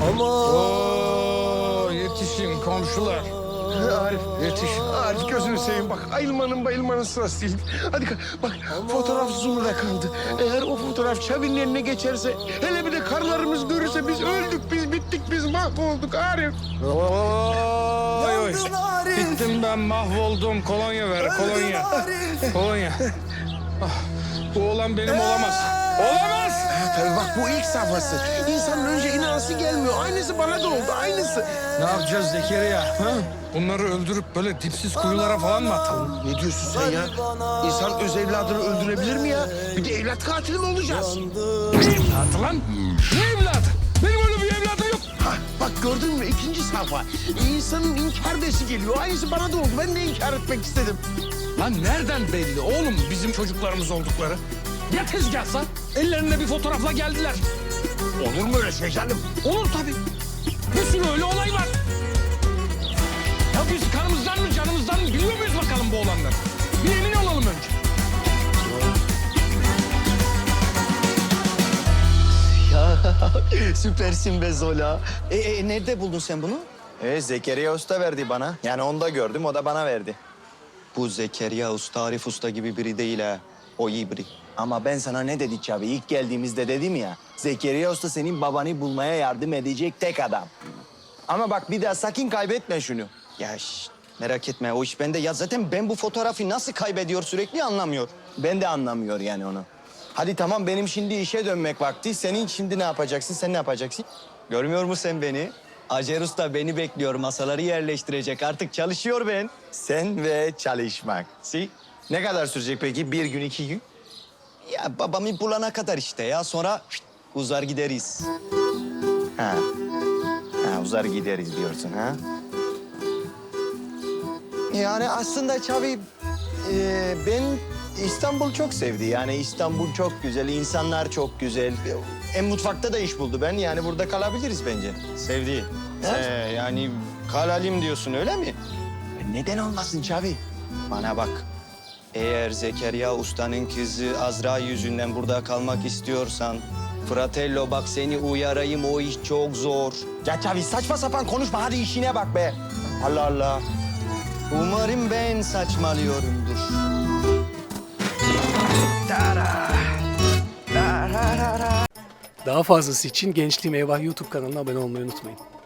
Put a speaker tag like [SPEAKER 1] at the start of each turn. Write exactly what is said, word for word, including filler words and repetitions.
[SPEAKER 1] Oo, yetişin komşular.
[SPEAKER 2] Arif,
[SPEAKER 1] Yetiş.
[SPEAKER 2] Arif gözünü seveyim bak. Ayılmanın bayılmanın sırası değil. Hadi ka- bak fotoğraf zoom'da kaldı. Eğer o fotoğraf Çavi'nin eline geçerse, hele bir de karılarımız görürse biz öldük, biz bittik, biz mahvolduk Arif.
[SPEAKER 1] Oy, oy. Bittim ben, mahvoldum. Kolonya ver, kolonya. Kolonya. Ah, bu oğlan benim olamaz. Olamaz!
[SPEAKER 2] Tabii bak bu ilk safhası. İnsanın önce inanası gelmiyor. Aynısı bana da oldu, aynısı.
[SPEAKER 1] Ne yapacağız Zekeriya? Ha? Bunları öldürüp böyle dipsiz kuyulara falan mı atalım?
[SPEAKER 2] Ne diyorsun sen ya? İnsan öz evladını öldürebilir mi ya? Bir de evlat katili mi olacağız?
[SPEAKER 1] Ne evladı lan? Ne evladı? Benim öyle bir evladım yok.
[SPEAKER 2] Ha, bak gördün mü ikinci sayfa. İnsanın inkar desi geliyor. Aynısı bana da oldu. Ben de inkar etmek istedim.
[SPEAKER 1] Lan nereden belli oğlum bizim çocuklarımız oldukları? Ya tezgahsa? Ellerinde bir fotoğrafla geldiler.
[SPEAKER 2] Olur mu öyle şey canım?
[SPEAKER 1] Olur tabii. Bir sürü öyle olay var. Ya biz kanımızdan mı canımızdan mı biliyor muyuz bakalım bu olanları? Bir emin olalım önce.
[SPEAKER 3] Ya süpersin be Zola. E, e, nerede buldun sen bunu?
[SPEAKER 4] E, Zekeriya Usta verdi bana. Yani onu da gördüm, o da bana verdi.
[SPEAKER 3] Bu Zekeriya Usta, Arif Usta gibi biri değil ha. O iyi biri.
[SPEAKER 4] Ama ben sana ne dedik Çavi? İlk geldiğimizde dedim ya. Zekeriya Usta senin babanı bulmaya yardım edecek tek adam. Ama bak bir daha sakın kaybetme şunu.
[SPEAKER 3] Ya şş, merak etme o iş bende. Ya zaten ben bu fotoğrafı nasıl kaybediyor sürekli anlamıyor.
[SPEAKER 4] Ben de anlamıyor yani onu. Hadi tamam benim şimdi işe dönmek vakti. Senin şimdi ne yapacaksın? Sen ne yapacaksın?
[SPEAKER 3] Görmüyor musun sen beni? Acer Usta beni bekliyor. Masaları yerleştirecek. Artık çalışıyor ben.
[SPEAKER 4] Sen ve çalışmak.
[SPEAKER 3] Si?
[SPEAKER 4] Ne kadar sürecek peki? Bir gün, iki gün?
[SPEAKER 3] Ya babamı bulana kadar işte ya. Sonra şşt, uzar gideriz.
[SPEAKER 4] Ha. Ha, uzar gideriz diyorsun ha? Yani aslında Çavi, e, ben İstanbul çok sevdi. Yani İstanbul çok güzel, insanlar çok güzel. En mutfakta da iş buldu ben. Yani burada kalabiliriz bence.
[SPEAKER 3] Sevdi.
[SPEAKER 4] Ha?
[SPEAKER 3] Ee, yani kalalım diyorsun öyle mi?
[SPEAKER 4] Neden olmasın Çavi?
[SPEAKER 3] Bana bak. Eğer Zekeriya Usta'nın kızı Azra yüzünden burada kalmak istiyorsan... Fratello bak seni uyarayım o iş çok zor.
[SPEAKER 4] Ya Çavi saçma sapan konuşma. Hadi işine bak be. Allah Allah.
[SPEAKER 3] Umarım ben saçmalıyorumdur.
[SPEAKER 5] Daha fazlası için Gençliğim Eyvah YouTube kanalına abone olmayı unutmayın.